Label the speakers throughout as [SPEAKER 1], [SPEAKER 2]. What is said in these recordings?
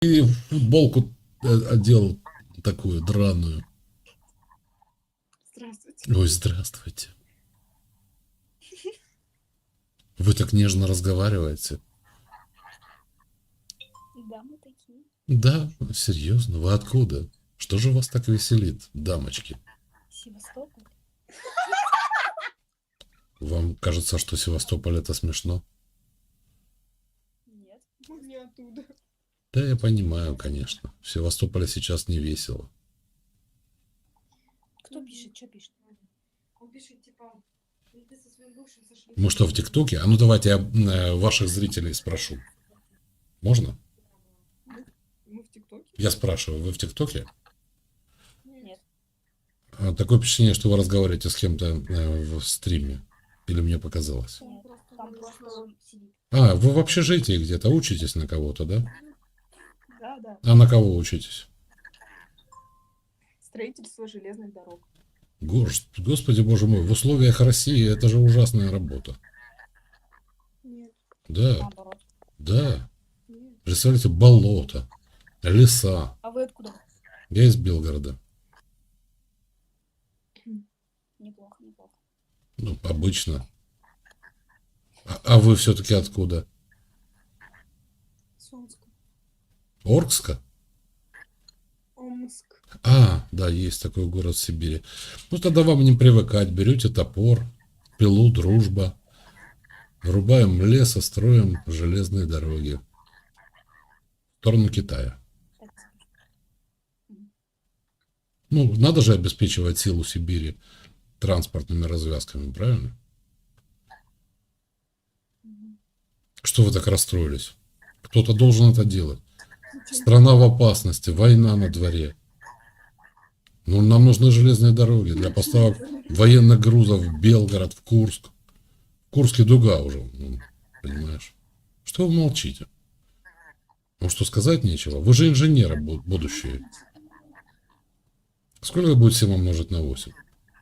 [SPEAKER 1] И футболку одел такую драную.
[SPEAKER 2] Здравствуйте.
[SPEAKER 1] Ой, здравствуйте. Вы так нежно разговариваете.
[SPEAKER 2] Да, мы такие.
[SPEAKER 1] Да, серьезно, вы откуда? Что же вас так веселит, дамочки?
[SPEAKER 2] Севастополь?
[SPEAKER 1] Вам кажется, что Севастополь это смешно?
[SPEAKER 2] Нет. Мы не оттуда.
[SPEAKER 1] Да, я понимаю, конечно. В Севастополе сейчас не весело.
[SPEAKER 2] Кто пишет? Что пишет? Он пишет, типа, ты со своим бывшим сошли.
[SPEAKER 1] Мы что, в ТикТоке? А ну давайте я ваших зрителей спрошу. Можно?
[SPEAKER 2] Мы в ТикТоке?
[SPEAKER 1] Я спрашиваю, вы в ТикТоке?
[SPEAKER 2] Нет.
[SPEAKER 1] Такое впечатление, что вы разговариваете с кем-то в стриме. Или мне показалось?
[SPEAKER 2] Нет. Там просто он сидит.
[SPEAKER 1] А, вы в общежитии где-то учитесь на кого-то, да?
[SPEAKER 2] Да, да.
[SPEAKER 1] А на кого учитесь?
[SPEAKER 2] Строительство железных дорог.
[SPEAKER 1] Господи, боже мой, в условиях России это же ужасная работа.
[SPEAKER 2] Нет.
[SPEAKER 1] Да,
[SPEAKER 2] Наоборот.
[SPEAKER 1] да.
[SPEAKER 2] Нет.
[SPEAKER 1] Представляете, болото, леса.
[SPEAKER 2] А вы откуда?
[SPEAKER 1] Я из Белгорода.
[SPEAKER 2] Неплохо, неплохо.
[SPEAKER 1] Ну, обычно. А вы все-таки откуда?
[SPEAKER 2] Сумска.
[SPEAKER 1] Оркска?
[SPEAKER 2] Омск.
[SPEAKER 1] А, да, есть такой город в Сибири. Ну, тогда вам не привыкать. Берете топор, пилу, дружба. Врубаем лес, и строим железные дороги. В сторону Китая. Ну, надо же обеспечивать силу Сибири транспортными развязками, правильно? Что вы так расстроились? Кто-то должен это делать. Страна в опасности, война на дворе. Ну, нам нужны железные дороги для поставок военных грузов в Белгород, в Курск. В Курске дуга уже, понимаешь? Что вы молчите? Ну, что сказать нечего? Вы же инженеры будущие. Сколько будет 7 умножить на 8?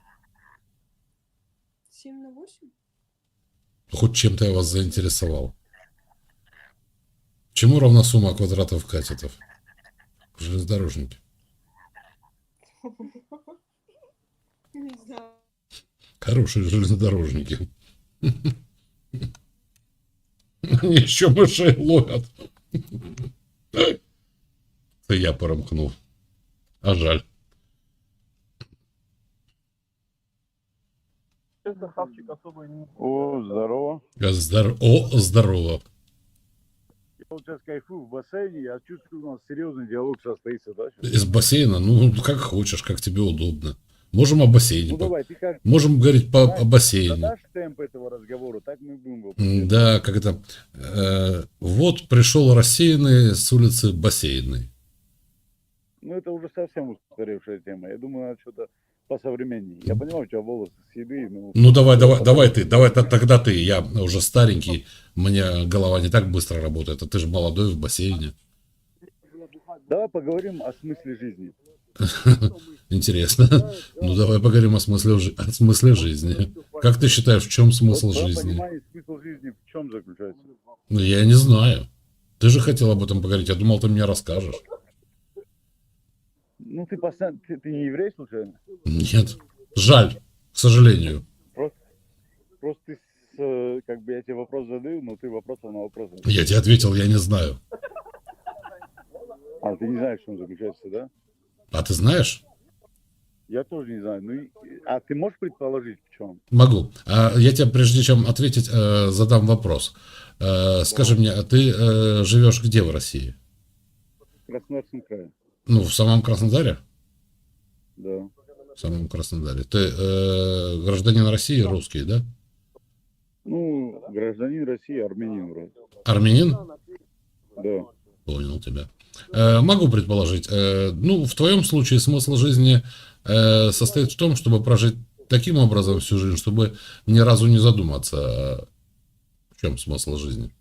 [SPEAKER 2] 7 на 8?
[SPEAKER 1] Хоть чем-то я вас заинтересовал. Чему равна сумма квадратов катетов? Железнодорожники.
[SPEAKER 2] Не знаю.
[SPEAKER 1] Хорошие железнодорожники. Они еще мышей ловят. Это я поромкнул. А жаль.
[SPEAKER 3] О, здорово.
[SPEAKER 1] О, здорово.
[SPEAKER 3] Я вот сейчас кайфую в бассейне, я чувствую, у нас серьезный диалог состоится, да? Сейчас?
[SPEAKER 1] Из бассейна? Ну, как хочешь, как тебе удобно. Можем о бассейне.
[SPEAKER 3] Ну давай, ты как
[SPEAKER 1] Можем говорить о
[SPEAKER 3] знаешь,
[SPEAKER 1] бассейне.
[SPEAKER 3] задашь темп этого разговора, так мы будем его
[SPEAKER 1] Да, как это. Вот пришел рассеянный с улицы Бассейной.
[SPEAKER 3] Ну это уже совсем устаревшая тема. Я думаю, надо что-то посовременнее. Я понимаю, у тебя волосы седые, но...
[SPEAKER 1] Ну давай тогда ты. Я уже старенький, у меня голова не так быстро работает, а ты же молодой в бассейне.
[SPEAKER 3] Давай поговорим о смысле жизни.
[SPEAKER 1] Интересно. Ну давай поговорим о смысле жизни. Как ты считаешь, в чем смысл
[SPEAKER 3] Вот твое
[SPEAKER 1] жизни?
[SPEAKER 3] понимание смысла жизни в чем заключается?
[SPEAKER 1] Ну я не знаю. Ты же хотел об этом поговорить, я думал, ты мне расскажешь.
[SPEAKER 3] Ну ты постоянно... Ты не еврей, случайно?
[SPEAKER 1] Нет. Жаль, к сожалению.
[SPEAKER 3] Просто ты как бы я тебе вопрос задаю, но ты вопросом на вопрос.
[SPEAKER 1] Я тебе ответил, я не знаю.
[SPEAKER 3] А ты не знаешь, в чем заключается, да?
[SPEAKER 1] А ты знаешь?
[SPEAKER 3] Я тоже не знаю. Ну, а ты можешь предположить, в чем?
[SPEAKER 1] Могу. Я тебе, прежде чем ответить, задам вопрос. Скажи мне, а ты живешь где в России?
[SPEAKER 3] В Краснодарском крае.
[SPEAKER 1] Ну, в самом Краснодаре?
[SPEAKER 3] Да.
[SPEAKER 1] В самом Краснодаре. Ты гражданин России, русский, да?
[SPEAKER 3] Ну, гражданин России, армянин вроде.
[SPEAKER 1] Армянин?
[SPEAKER 3] Да.
[SPEAKER 1] Понял тебя. Могу предположить. Ну, в твоем случае смысл жизни состоит в том, чтобы прожить таким образом всю жизнь, чтобы ни разу не задуматься, в чем смысл жизни.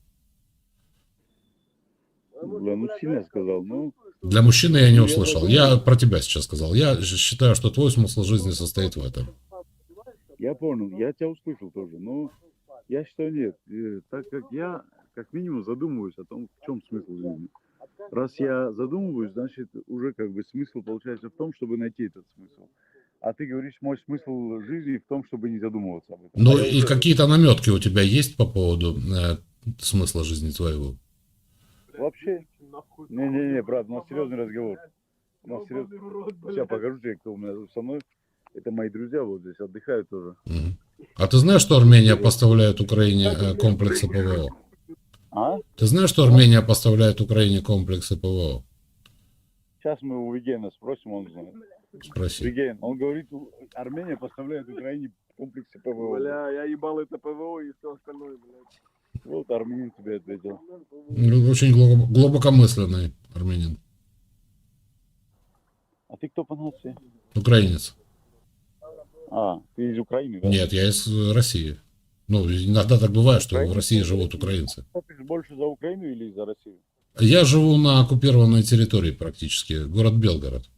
[SPEAKER 3] Бля, ну сильно сказал. Ну,
[SPEAKER 1] Для мужчины я не
[SPEAKER 3] я
[SPEAKER 1] услышал.
[SPEAKER 3] подумал.
[SPEAKER 1] Я про тебя сейчас сказал. Я считаю, что твой смысл жизни состоит в этом.
[SPEAKER 3] Я понял, я тебя услышал тоже. Но я считаю, нет. Так как я, как минимум, задумываюсь о том, в чем смысл жизни. раз я задумываюсь, значит, уже как бы смысл получается в том, чтобы найти этот смысл. А ты говоришь, мой смысл жизни в том, чтобы не задумываться об этом.
[SPEAKER 1] Ну
[SPEAKER 3] А я
[SPEAKER 1] и
[SPEAKER 3] уже
[SPEAKER 1] какие-то наметки у тебя есть по поводу смысла жизни твоего?
[SPEAKER 3] вообще... Не-не-не, брат, у нас серьезный разговор. У нас серьезный... Сейчас покажу тебе, кто у меня тут со мной. Это мои друзья вот здесь отдыхают тоже.
[SPEAKER 1] Мгм. А ты знаешь, что Армения поставляет Украине комплексы ПВО?
[SPEAKER 3] А?
[SPEAKER 1] Ты знаешь, что Армения поставляет Украине комплексы ПВО?
[SPEAKER 3] Сейчас мы у Вигена спросим, он знает.
[SPEAKER 1] Спроси.
[SPEAKER 3] Виген, он говорит, Армения поставляет Украине комплексы ПВО.
[SPEAKER 4] Бля, я ебал это ПВО и все остальное, блядь.
[SPEAKER 3] Вот армянин тебе ответил.
[SPEAKER 1] Ну, очень глубокомысленный армянин.
[SPEAKER 3] А ты кто по нации?
[SPEAKER 1] Украинец.
[SPEAKER 3] А, ты из Украины, да?
[SPEAKER 1] Нет, я из России. Ну, иногда так бывает, что в России живут украинцы.
[SPEAKER 3] Ты больше за Украину или за Россию?
[SPEAKER 1] Я живу на оккупированной территории практически, город Белгород.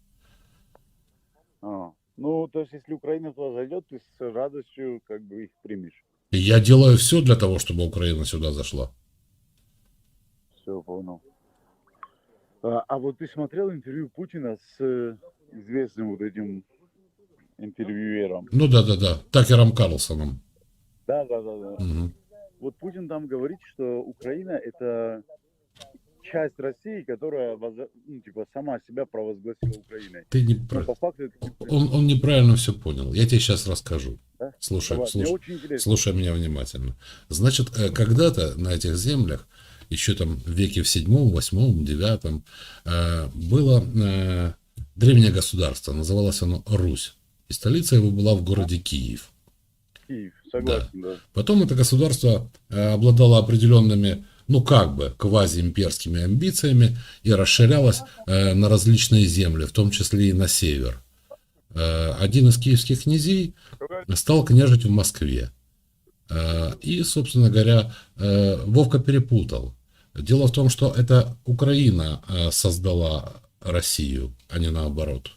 [SPEAKER 3] А, ну, то есть, если Украина туда зайдет, ты с радостью как бы их примешь.
[SPEAKER 1] И я делаю все для того, чтобы Украина сюда зашла.
[SPEAKER 3] Все, понял. А вот ты смотрел интервью Путина с известным вот этим интервьюером?
[SPEAKER 1] Ну да, Такером Карлсоном.
[SPEAKER 3] Да.
[SPEAKER 1] Мгм.
[SPEAKER 3] Вот Путин там говорит, что Украина это часть России, которая ну, типа, сама себя провозгласила Украиной.
[SPEAKER 1] Ты не
[SPEAKER 3] Но
[SPEAKER 1] прав.
[SPEAKER 3] по факту это...
[SPEAKER 1] Он неправильно все понял. Я тебе сейчас расскажу.
[SPEAKER 3] Да?
[SPEAKER 1] Слушай,
[SPEAKER 3] Давай, мне очень интересно.
[SPEAKER 1] слушай меня внимательно. Значит, когда-то на этих землях, еще там в веке в 7, 8, 9, было древнее государство. Называлось оно Русь. И столица его была в городе Киев.
[SPEAKER 3] Киев, согласен, да.
[SPEAKER 1] Потом это государство обладало определенными, ну как бы, квазиимперскими амбициями и расширялось на различные земли, в том числе и на север. Один из киевских князей стал княжить в Москве. И, собственно говоря, Вовка перепутал. Дело в том, что это Украина создала Россию, а не наоборот.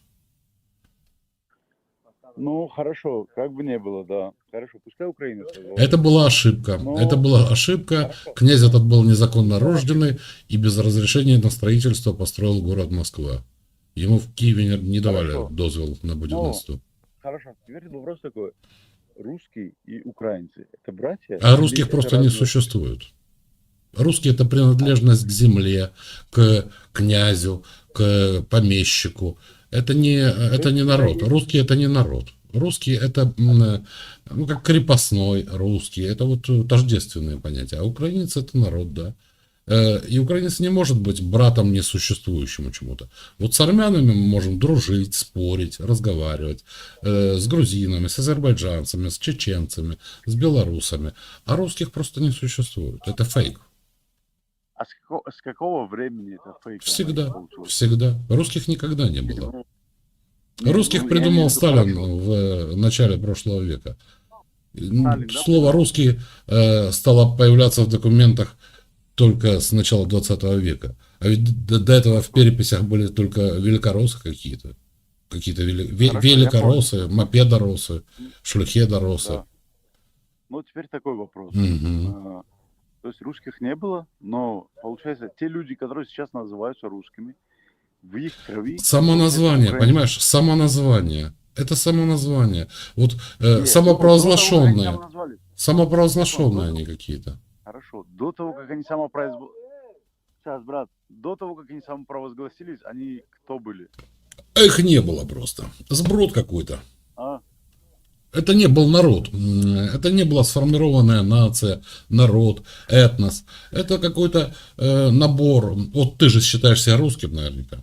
[SPEAKER 3] Ну, хорошо, как бы не было, да. Хорошо, пускай Украина создала.
[SPEAKER 1] Это была ошибка.
[SPEAKER 3] Но-
[SPEAKER 1] Это была ошибка. Князь этот был незаконно рожденный и без разрешения на строительство построил город Москва. Ему в Киеве не давали
[SPEAKER 3] Хорошо.
[SPEAKER 1] дозвол на будівництво.
[SPEAKER 3] Хорошо, теперь вопрос такой. Русские и украинцы – это братья?
[SPEAKER 1] А
[SPEAKER 3] Или
[SPEAKER 1] русских
[SPEAKER 3] это
[SPEAKER 1] просто не
[SPEAKER 3] разные-
[SPEAKER 1] существует. Русские – это принадлежность к земле, к князю, к помещику. Это не народ. Русские – это не народ. Русские – это ну, как крепостной русский. Это вот тождественные понятия. А украинец – это народ, да. И украинец не может быть братом несуществующему чему-то. Вот с армянами мы можем дружить, спорить, разговаривать. С грузинами, с азербайджанцами, с чеченцами, с белорусами. А русских просто не существует. Это фейк.
[SPEAKER 3] А с какого времени это фейк?
[SPEAKER 1] Всегда.
[SPEAKER 3] получилось?
[SPEAKER 1] Всегда. Русских никогда не было.
[SPEAKER 3] Ну, не,
[SPEAKER 1] Русских
[SPEAKER 3] ну, я имею в
[SPEAKER 1] придумал
[SPEAKER 3] виду,
[SPEAKER 1] Сталин
[SPEAKER 3] хорошо.
[SPEAKER 1] в начале прошлого века.
[SPEAKER 3] Сталин, да,
[SPEAKER 1] Слово «русский» стало появляться в документах только с начала 20 века. А ведь до этого в переписях были только великороссы какие-то. Какие-то
[SPEAKER 3] Хорошо,
[SPEAKER 1] великороссы, мопедоросы, шлюхедоросы.
[SPEAKER 3] Да. Ну, теперь такой вопрос.
[SPEAKER 1] Мгм.
[SPEAKER 3] То есть русских не было, но, получается, те люди, которые сейчас называются русскими, в их крови...
[SPEAKER 1] Само название,
[SPEAKER 3] Украина.
[SPEAKER 1] понимаешь? Само название. Это само название. Вот
[SPEAKER 3] Нет,
[SPEAKER 1] самопровозглашенные.
[SPEAKER 3] до того, как они самоназвались.
[SPEAKER 1] Самопровозглашенные они какие-то.
[SPEAKER 3] Хорошо. До того, как они самопроизвол... Сейчас, брат. До того, как они самопровозгласились, они кто были?
[SPEAKER 1] Их не было просто. Сброд какой-то.
[SPEAKER 3] А?
[SPEAKER 1] Это не был народ. Это не была сформированная нация, народ, этнос. Это какой-то набор. Вот ты же считаешь себя русским наверняка.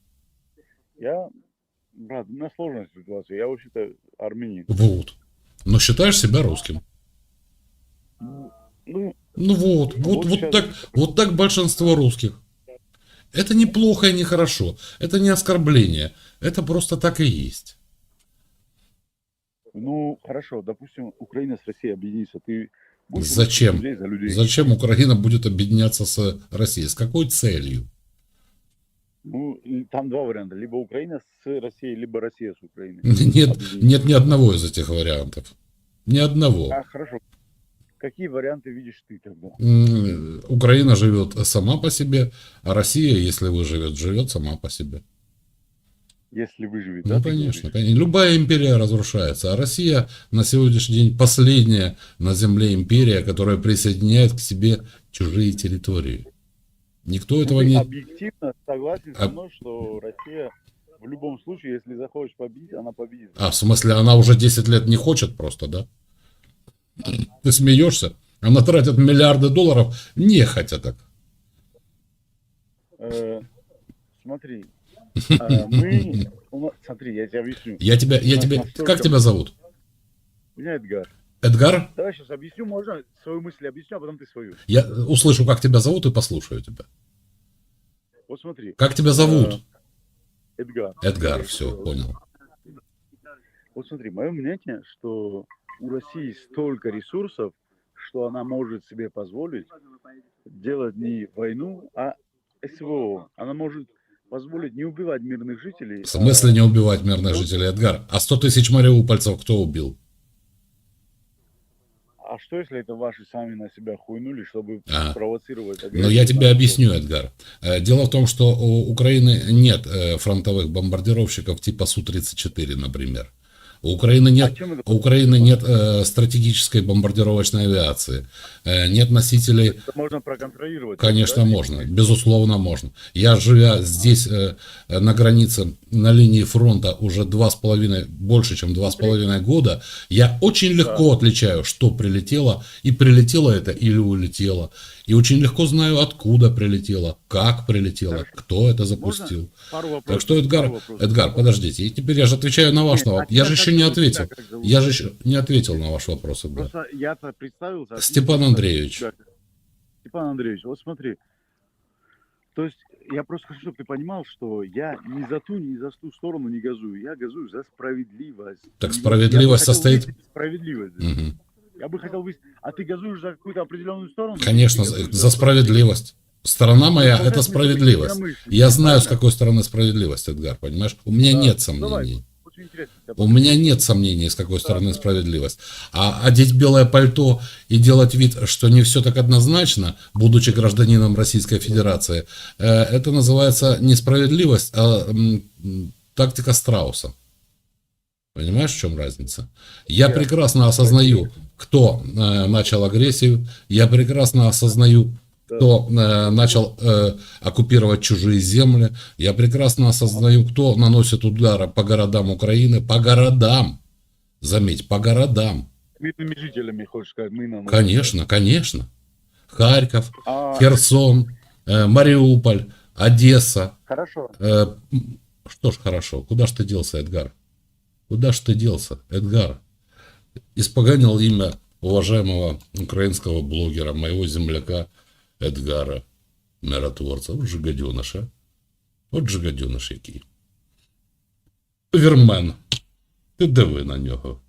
[SPEAKER 3] Я... Брат, у меня сложная ситуация. Я вообще-то армянин.
[SPEAKER 1] Вот. Но считаешь себя русским.
[SPEAKER 3] Ну,
[SPEAKER 1] Ну вот
[SPEAKER 3] сейчас-
[SPEAKER 1] так большинство русских. Это не плохо и не хорошо. Это не оскорбление. Это просто так и есть.
[SPEAKER 3] ну, хорошо. Допустим, Украина с Россией объединится. Ты будешь
[SPEAKER 1] Зачем?
[SPEAKER 3] людей за людей?
[SPEAKER 1] Зачем Украина будет объединяться с Россией? С какой целью?
[SPEAKER 3] Ну, и там два варианта. Либо Украина с Россией, либо Россия с Украиной.
[SPEAKER 1] Нет,
[SPEAKER 3] Объединиться.
[SPEAKER 1] нет ни одного из этих вариантов. Ни одного.
[SPEAKER 3] А, хорошо. какие варианты видишь ты тогда?
[SPEAKER 1] Украина живет сама по себе, а Россия, если выживет, живет сама по себе.
[SPEAKER 3] Если выживет,
[SPEAKER 1] Ну,
[SPEAKER 3] да, ты
[SPEAKER 1] конечно,
[SPEAKER 3] говоришь?
[SPEAKER 1] конечно. Любая империя разрушается, а Россия на сегодняшний день последняя на земле империя, которая присоединяет к себе чужие территории. Никто
[SPEAKER 3] Ну,
[SPEAKER 1] этого
[SPEAKER 3] ты
[SPEAKER 1] не...
[SPEAKER 3] объективно согласен со
[SPEAKER 1] А-
[SPEAKER 3] мной, что Россия в любом случае, если захочет победить, она победит.
[SPEAKER 1] А, в смысле, она уже 10 лет не хочет просто, да? Ты смеешься? Она тратит миллиарды долларов нехотя так.
[SPEAKER 3] Смотри, смотри, я тебе объясню.
[SPEAKER 1] Как тебя зовут?
[SPEAKER 3] Меня Эдгар.
[SPEAKER 1] Эдгар?
[SPEAKER 3] Давай сейчас объясню, можно свою мысль объясню, а потом ты свою.
[SPEAKER 1] Я услышу, как тебя зовут, и послушаю тебя.
[SPEAKER 3] Вот смотри.
[SPEAKER 1] Как тебя зовут?
[SPEAKER 3] Эдгар.
[SPEAKER 1] Эдгар, все, понял.
[SPEAKER 3] Вот смотри, мое мнение, что у России столько ресурсов, что она может себе позволить делать не войну, а СВО. Она может позволить не убивать мирных жителей.
[SPEAKER 1] В смысле не убивать мирных жителей, Эдгар? А 100 тысяч мариупольцев кто убил?
[SPEAKER 3] А что, если это ваши сами на себя хуйнули, чтобы спровоцировать агрессию?
[SPEAKER 1] Ну, я тебе объясню, Эдгар. Дело в том, что у Украины нет фронтовых бомбардировщиков типа Су-34, например. У Украины нет стратегической бомбардировочной авиации, нет носителей.
[SPEAKER 3] Это можно проконтролировать.
[SPEAKER 1] Конечно,
[SPEAKER 3] да?
[SPEAKER 1] можно, безусловно, можно. Я, живя здесь на границе, на линии фронта уже больше, чем 2,5 года, я очень легко отличаю, что прилетело, и прилетело это или улетело. И очень легко знаю, откуда прилетело, как прилетело, кто это запустил. Так что, Эдгар, подождите, и теперь я же отвечаю на ваш вопрос. Я же еще не ответил. Я же еще не ответил на ваш вопрос, Эдгар.
[SPEAKER 3] Просто я-то представился.
[SPEAKER 1] Степан Андреевич.
[SPEAKER 3] Степан Андреевич, вот смотри. То есть я просто хочу, чтобы ты понимал, что я ни за ту, ни за ту сторону не газую. Я газую за справедливость.
[SPEAKER 1] Так справедливость состоит...
[SPEAKER 3] Справедливость.
[SPEAKER 1] Угу.
[SPEAKER 3] Я бы хотел выяснить, а ты газуешь за какую-то определенную сторону?
[SPEAKER 1] Конечно, за справедливость. Сторона моя – это справедливость. Я знаю, с какой стороны справедливость, Эдгар, понимаешь? У меня нет сомнений. У меня нет сомнений, с какой стороны справедливость. А одеть белое пальто и делать вид, что не все так однозначно, будучи гражданином Российской Федерации, это называется не справедливость, а тактика страуса. Понимаешь, в чем разница? Я прекрасно осознаю, кто начал агрессию, я прекрасно осознаю, кто начал оккупировать чужие земли, я прекрасно осознаю, кто наносит удары по городам Украины, по городам, заметь, по городам.
[SPEAKER 3] Мирными жителями, хочешь сказать, мы наносим.
[SPEAKER 1] Конечно, конечно. Харьков, Херсон, Мариуполь, Одесса.
[SPEAKER 3] Хорошо.
[SPEAKER 1] Что ж хорошо, куда ж ты делся, Эдгар? Куда ж ты делся, Эдгар? Испоганил имя уважаемого украинского блогера, моего земляка Эдгара, миротворца. Вот же гаденыш, а? Вот же гаденыш який. Вірмен. Ти диви на нього.